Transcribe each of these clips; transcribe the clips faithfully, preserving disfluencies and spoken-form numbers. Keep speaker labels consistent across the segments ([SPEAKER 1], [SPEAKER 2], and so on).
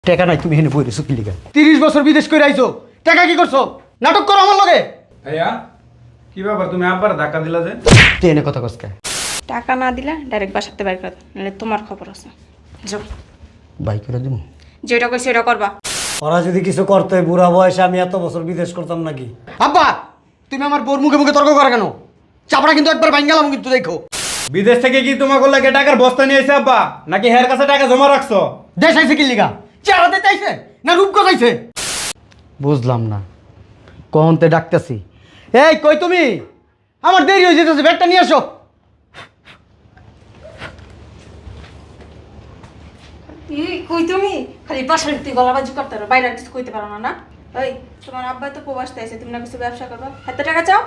[SPEAKER 1] টাকা নাই তুমি এনে বই রেছো কি লিগা? তিরিশ বছর বিদেশ করে আইছো, টাকা কি করছো? নাটক করো আমার লগে।
[SPEAKER 2] ভাইয়া কি ব্যাপার, তুমি আবার ধাক্কা দিলা যে?
[SPEAKER 1] তুই এনে কথা কসকা।
[SPEAKER 3] টাকা না দিলে ডাইরেক্ট বাসাতে বাইর করে দাও, নাহলে তোমার খবর আছে। যাও,
[SPEAKER 1] বাই করে দিব।
[SPEAKER 3] যেটা কইছি সেটা করবা।
[SPEAKER 4] ওরা যদি কিছু করতে বুড়া বয়সে আমি এত বছর বিদেশ করতাম নাকি?
[SPEAKER 1] আব্বা তুমি আমার বোর মুখে মুখে তর্ক করা কেন? চাপড়া কিন্তু একবার ভাঙ্গালাম কিন্তু দেখো।
[SPEAKER 2] বিদেশ থেকে কি তোমাকে লাগে টাকার বস্তা নিয়ে এসে আব্বা, নাকি হের কাছে টাকা জমা রাখছো?
[SPEAKER 1] দেশ আইছে কি লিগা? চেহারা দিতে আইছে না রূপ আইছে? বুঝলাম না, কহনতে ডাকতেছি। এই কই তুমি? আমার দেরি হয়ে যেতেছে, ব্যাগটা নিয়ে আসো।
[SPEAKER 3] কই তুমি খালি বাসার তুই গলাবাজি করতে পারো, বাইরে আর কিছু কইতে পারো না না? ওই তোমার আব্বা তো প্রবাসতে আছে, তুমি না কিছু ব্যবসা করবা, হাতে টাকা চাও।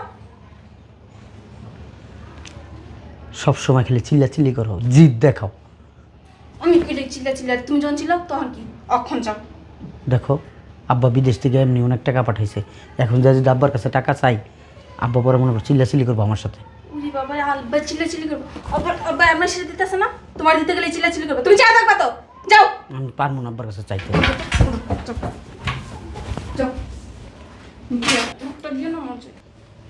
[SPEAKER 1] সব সময় খালি চিল্লা চিল্লি করো, জিদ দেখাও।
[SPEAKER 3] আমি কইলে চিল্লা চিল্লা, তুমি যখন ছিল তখন কি অক্ষণ যাও।
[SPEAKER 1] দেখো আব্বা বিদেশ থেকে এমনি অনেক টাকা পাঠাইছে, এখন যা যদি আব্বার কাছে টাকা চাই, আব্বা পরে মনে করো চিল্লা চিল্লি করবো আমার সাথে।
[SPEAKER 3] উনি বাবা আব্বা চিল্লা চিল্লি করবো, আবার আব্বা আমার সাথে দিতেছে না, তোমার দিতে গেলে চিল্লা চিল্লি করবে। তুমি চা থাকবা তো, যাও
[SPEAKER 1] আমি পারবো না আব্বার কাছে চাইতে।
[SPEAKER 3] যাও। মুখটা দিও না আমার চেয়ে।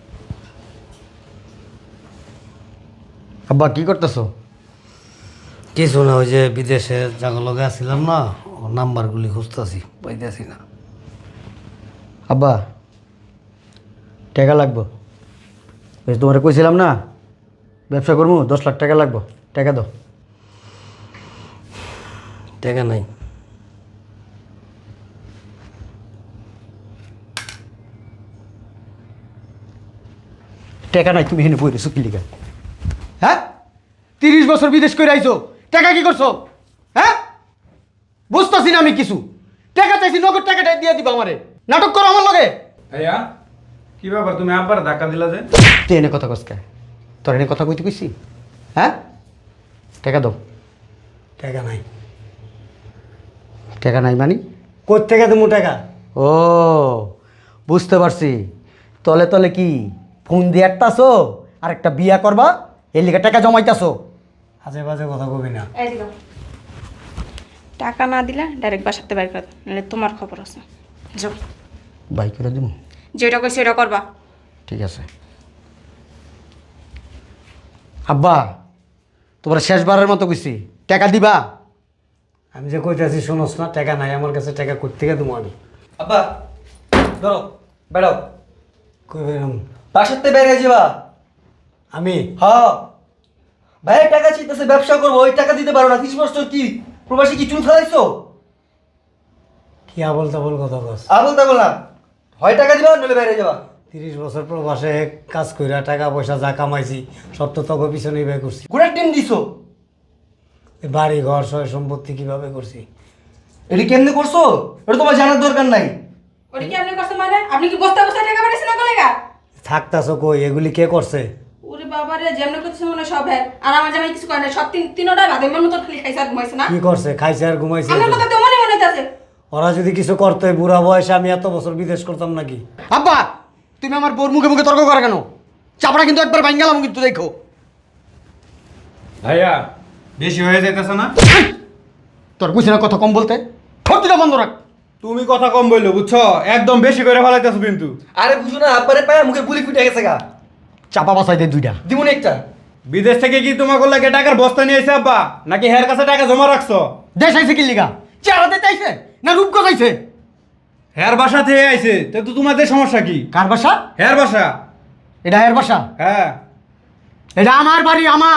[SPEAKER 1] আব্বা কি করতেছো?
[SPEAKER 4] কিছু না, ওই যে বিদেশে জাগো লগে আসছিলাম না, ওর নাম্বারগুলি খুঁজতেছি, পাইতেছি না।
[SPEAKER 1] আব্বা টাকা লাগবো, বেশ তোমারে কইছিলাম না ব্যবসা করবো, দশ লাখ টাকা লাগবো, টাকা দাও।
[SPEAKER 4] টাকা নাই।
[SPEAKER 1] টাকা নাই তুমি এনে বই রেছো কি লিগা? হ্যাঁ, তিরিশ বছর বিদেশ করে আইছো, টাকা কি করছো? হ্যাঁ, বুঝতেছি না আমি কিছু। টাকা চাইছি, নগদ টাকাটা দিয়ে দিবা আমারে। নাটক করো আমার লগে।
[SPEAKER 2] ভাইয়া কি ব্যাপার, তুমি আবার ধাক্কা দিলা যে?
[SPEAKER 1] তুই এনে কথা কসকা, তোর এনে কথা কইতে কইছি? হ্যাঁ, টাকা দাও।
[SPEAKER 4] টাকা নাই।
[SPEAKER 1] টাকা নাই মানে?
[SPEAKER 4] কোত্থেকে তুমি টাকা?
[SPEAKER 1] ও বুঝতে পারছি, তলে তলে কি ফোন দিয়ে একটাছো আর একটা বিয়া করবা, এর লিগে টাকা জমাইতাছো।
[SPEAKER 4] আজে বাজে কথা কবি না।
[SPEAKER 3] এই দিগো, টাকা না দিলে ডাইরেক্ট বাসাতে বাইর করে দাও, নাহলে তোমার খবর আছে। যাও,
[SPEAKER 1] বাই করে দিব।
[SPEAKER 3] যেটা কইছি সেটা করবা।
[SPEAKER 1] ঠিক আছে আব্বা, তোমার শেষবারের মতো কইছি, টাকা দিবা।
[SPEAKER 4] আমি যে কইতেছি শোনোস না, টাকা নাই আমার কাছে, টাকা কোত্থেকে দেবো আমি?
[SPEAKER 5] আব্বা ধরো, বেড়াও,
[SPEAKER 4] কই বেরম?
[SPEAKER 5] বাসাতে বেড়ে যাবা।
[SPEAKER 4] আমি
[SPEAKER 5] হ্যাঁ ভাইয়ের টাকা চিন্তাছে, ব্যবসা করবো, ওই টাকা দিতে পারো না। ত্রিশ বছর কি প্রবাসী কি চুল ফেলাইছো?
[SPEAKER 4] কি আবল তাবল কথা কস?
[SPEAKER 5] আবল তাবল না, হয় টাকা দিবা নইলে বেড়ে যাবা।
[SPEAKER 4] তিরিশ বছর প্রবাসে কাজ কইরা টাকা পয়সা যা কামাইছি সব তো তোকে পিছনেই ব্যয় করছি।
[SPEAKER 5] ঘোড়ার টিম দিছো,
[SPEAKER 4] এই বাড়ি ঘর সয় সম্পত্তি কিভাবে করছি?
[SPEAKER 5] এটা কেমনে করছো এটা তোমার জানার দরকার নাই।
[SPEAKER 3] ওটা কি আপনি করছেন মানে? আপনি কি বস্তা বস্তা টাকা পাঠাইছেন না কলেগা?
[SPEAKER 4] থাকতাছো কই? এগুলি কে করছে?
[SPEAKER 3] ওরে বাবা রে, যেমন করতেছে মনে হয় সব হ্যাঁ, আর আমার জামাই কিছু করে না, সব তিন তিনোটা বাদে মন মতো খালি খাইছে আর ঘুমাইছে না।
[SPEAKER 4] কি করছে? খাইছে আর ঘুমাইছে?
[SPEAKER 3] আমার কথা তো মনে মনে আছে।
[SPEAKER 4] ওরা যদি কিছু করতে, বুড়া বয়সে আমি এত বছর বিদেশ করতাম নাকি?
[SPEAKER 1] আব্বা তুমি আমার বোর মুখে মুখে তর্ক করা কেন? চাপড়া কিন্তু একবার ভাঙ্গালাম কিন্তু দেখো।
[SPEAKER 2] ভাইয়া বেশি হয়ে যাইতেছে না?
[SPEAKER 1] তোর বুঝি না কথা কম বলতে? ঠোঁটটা বন্ধ রাখ।
[SPEAKER 2] তুমি কথা কম বললো বুঝছো, একদম বেশি করে ফেলাইতেছো কিন্তু।
[SPEAKER 5] আরে বুঝো না, আব্বারে পায়ে মুখে গুলি ফুটে গেছে গা।
[SPEAKER 1] চাপা বাসাই দে দুইটা।
[SPEAKER 5] দিমুন একটা।
[SPEAKER 2] বিদেশ থেকে কি তোমাকে লাগে টাকার বস্তা নিয়ে এসে আব্বা, নাকি হের কাছে টাকা জমা রাখছো?
[SPEAKER 1] দেশ আইছে কি লিগা? চেহারা দিতে আইছে না রূপ আইছে?
[SPEAKER 2] হের বাসা থেকে আইছে, তা তো তোমাদের সমস্যা কি?
[SPEAKER 1] কার বাসা?
[SPEAKER 2] হের বাসা।
[SPEAKER 1] এটা এর বাসা?
[SPEAKER 2] হ্যাঁ
[SPEAKER 1] এটা আমার বাড়ি, আমার।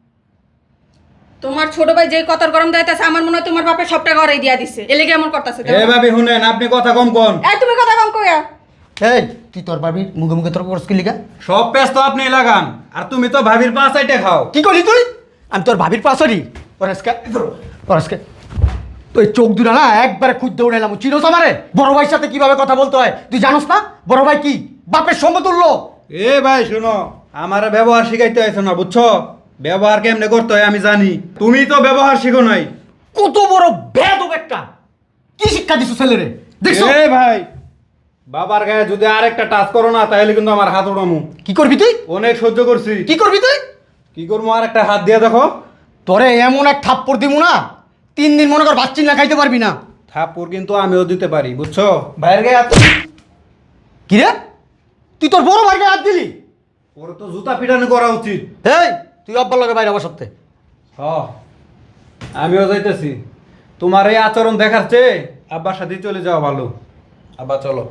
[SPEAKER 3] তোমার ছোট ভাই যে কতর গরম দাইতাছে, আমার মনে হয় তোমার বাপের সব টাকা ওরাই দিয়া দিছে, এলে কি এমন করতেছে?
[SPEAKER 2] এ ভাবি শুনেন, আপনি কথা কম কোন।
[SPEAKER 3] এই তুমি কথা কম কইয়া।
[SPEAKER 1] এই তুই তোর বাড়ির মুখে মুখে তর্ক করছিস কি লিগা?
[SPEAKER 2] সব পেস তো আপনি লাগান, আর তুমি তো ভাবির পাঁচ আইটে খাও।
[SPEAKER 1] কি করলি তুই? আমি তোর ভাবির পাশরি পরেশকে পরেশকে তুই চোখ দুটা না একবারে খুঁজ দৌড়ে এলাম। চিনোস আমারে? বড় ভাইয়ের সাথে কিভাবে কথা বলতে হয় তুই জানোস না? বড় ভাই কি বাপের সমতুল্য।
[SPEAKER 2] এ ভাই শুনো, আমার ব্যবহার শিখাইতে আইছো না বুঝছো, ব্যবহার কেমনে করতে হয় আমি জানি, তুমি তো ব্যবহার শিখো নাই।
[SPEAKER 1] কত বড় বেয়াদব একটা! কি শিক্ষা দিছো ছেলেরে দেখছো?
[SPEAKER 2] এ ভাই, বাবার গায়ে যদি আরেকটা টাচ করো না তাহলে কিন্তু আমার হাত উড়ামু।
[SPEAKER 1] কি করবি তুই?
[SPEAKER 2] অনেক সহ্য করছি।
[SPEAKER 1] কি করবি তুই?
[SPEAKER 2] কি করবো, আর একটা হাত দিয়ে দেখো।
[SPEAKER 1] তোরে এমন এক থাপ্পড় দিমু না, তিন দিন মনে কর বাচ্চি না খাইতে পারবি না।
[SPEAKER 2] থাপ্পড় কিন্তু আমিও দিতে পারি বুঝছো?
[SPEAKER 5] ভাইয়ের গায়ে হাত
[SPEAKER 1] কি রে তুই তোর বড় ভাইকে হাত দিলি?
[SPEAKER 2] ওরে তো জুতা পিটানো করা উচিত।
[SPEAKER 1] এই তুই আব্বার লগে বাইরে আমার সত্যি
[SPEAKER 2] হ আমিও যাইতেছি। তোমার এই আচরণ দেখার চেয়ে আব্বার সাথে চলে যাওয়া ভালো। আব্বা চলো।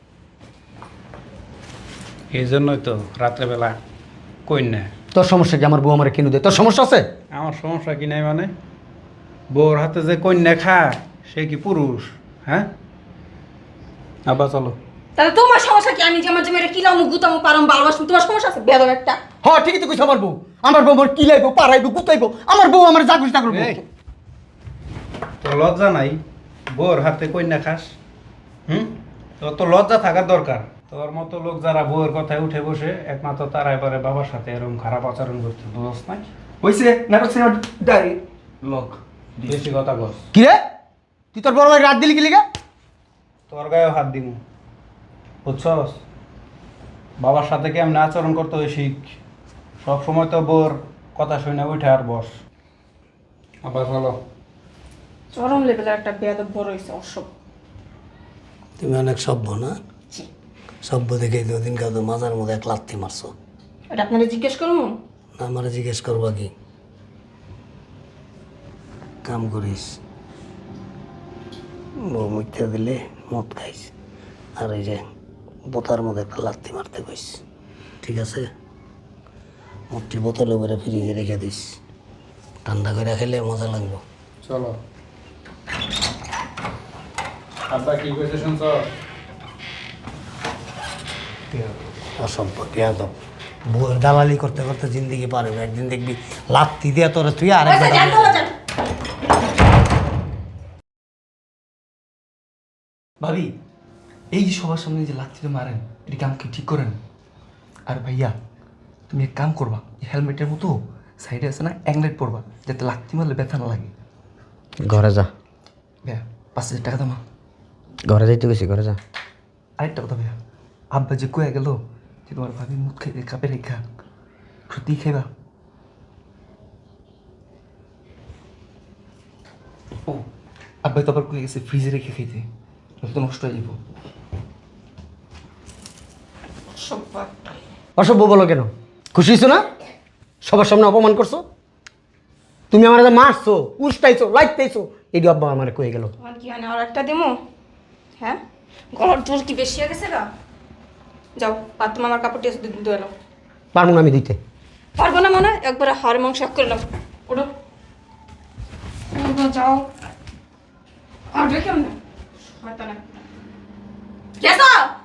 [SPEAKER 2] এই জন্যই তো রাত্রেবেলা কন্যা।
[SPEAKER 1] তোর সমস্যা কি? আমার বউ আমার কিনে দেয়, তোর সমস্যা আছে?
[SPEAKER 2] আমার সমস্যা কি নাই মানে? বউর হাতে যে কন্যা খায় সে কি পুরুষ? হ্যাঁ আব্বা চলো।
[SPEAKER 3] তাহলে তোমার সমস্যা কি? আমি যে আমার জমিটা কিলাম গুতামো পারাম ভালোবাসবো, তোমার সমস্যা আছে বেদব একটা।
[SPEAKER 1] হ্যাঁ ঠিকই তো কইছ। আমার বউ আমার বউ আমার কিলাইবো, পারাইবো, গুতাইবো। আমার বউ আমার যা খুশি তা করবো।
[SPEAKER 2] এই, তোর লজ্জা নাই বউর হাতে কন্যা খাস? হুম তোর তো লজ্জা থাকার দরকার। তোর মতো লোক যারা বউয়ের কথায় উঠে বসে একমাত্র তারাই পারে বাবার সাথে এরকম খারাপ আচরণ করতে। বুঝছ নাই?
[SPEAKER 5] হইছে নাটক সিনেমা ডাইরি লক
[SPEAKER 2] বেশি কথা বস।
[SPEAKER 1] কি রে তুই তোর বড় ভাইকে হাত দিলি কি লিগা?
[SPEAKER 2] তোর গায়েও হাত দিমু বুঝছস? বাবার সাথে কেমন আচরণ করতে হয় শিখ। সব সময় তো বোর কথা শুনে উঠে আর বস। আবার চলো।
[SPEAKER 3] চরম লেভেলের একটা বেদব বড় হয়েছে অসভ্য।
[SPEAKER 4] তুমি অনেক সভ্য না? সভ্য দেখেই তো ওদিনকে তো মাজার মধ্যে এক লাথি মারছো।
[SPEAKER 3] এটা আপনারা জিজ্ঞেস করবো?
[SPEAKER 4] না আমার জিজ্ঞেস করবা কি? কাম করিস, বউ মুখতে দিলে মদ খাইস, আর এই যে বোতার মধ্যে একটা লাথি মারতে কইস, ঠিক আছে? মদটি বোতলে করে ফ্রিজে রেখে দিস, ঠান্ডা করে খেলে মজা লাগবে।
[SPEAKER 2] চলো। আব্বা কি কইছে শুনছ?
[SPEAKER 4] অসভ্য পেঁয়াজ বউয়ের দালালি করতে করতে জিন্দিগি পারবে, একদিন দেখবি লাথি দিয়ে তোরে তুই আরেক
[SPEAKER 3] আচ্ছা, জানতে হবে, জান।
[SPEAKER 5] ভাবি এই যে সবার সামনে যে লাথিটা মারেন এটা কাম কি ঠিক করেন? আর ভাইয়া তুমি এক কাম করবা, এই হেলমেটের মতো সাইডে আছে না অ্যাংলাইট পরবা, যাতে লাথি মারলে ব্যথা না লাগে।
[SPEAKER 1] ঘরে যা।
[SPEAKER 5] ভাইয়া পাঁচ হাজার টাকা দামা।
[SPEAKER 1] ঘরে যাইতে গেছি, ঘরে যা।
[SPEAKER 5] আরেকটা কথা ভাইয়া, আব্বা যে কয়ে গেল যে তোমার ভাবি মুখ খাইতে কাপে রেখা, সত্যি খাইবা? ও আব্বাই তো আবার কয়ে গেছে ফ্রিজে রেখে খাইতে, নয়তো তো নষ্ট হয়ে যাব।
[SPEAKER 3] অসভ্য একটা।
[SPEAKER 1] অসভ্য বলো কেন? খুশি হইছো না? সবার সামনে অপমান করছো, তুমি আমার মারছো, উস্তাইছো, লাইতেইছো, এই আব্বা আমার কয়ে গেল।
[SPEAKER 3] তোমার কি হয় না আর একটা দিমো? হ্যাঁ গলার জোর কি বেশি হয়ে গেছে গা? যাও বাথরুম আমার কাপড়টি আছে দুধ ধুয়ে এলো।
[SPEAKER 1] পারবো না আমি দিতে।
[SPEAKER 3] পারবো না মানে একবারে হাড় মাংস এক করে নাও। ওঠো ওঠো, যাও। আর কেমন? হয়তো না গেছো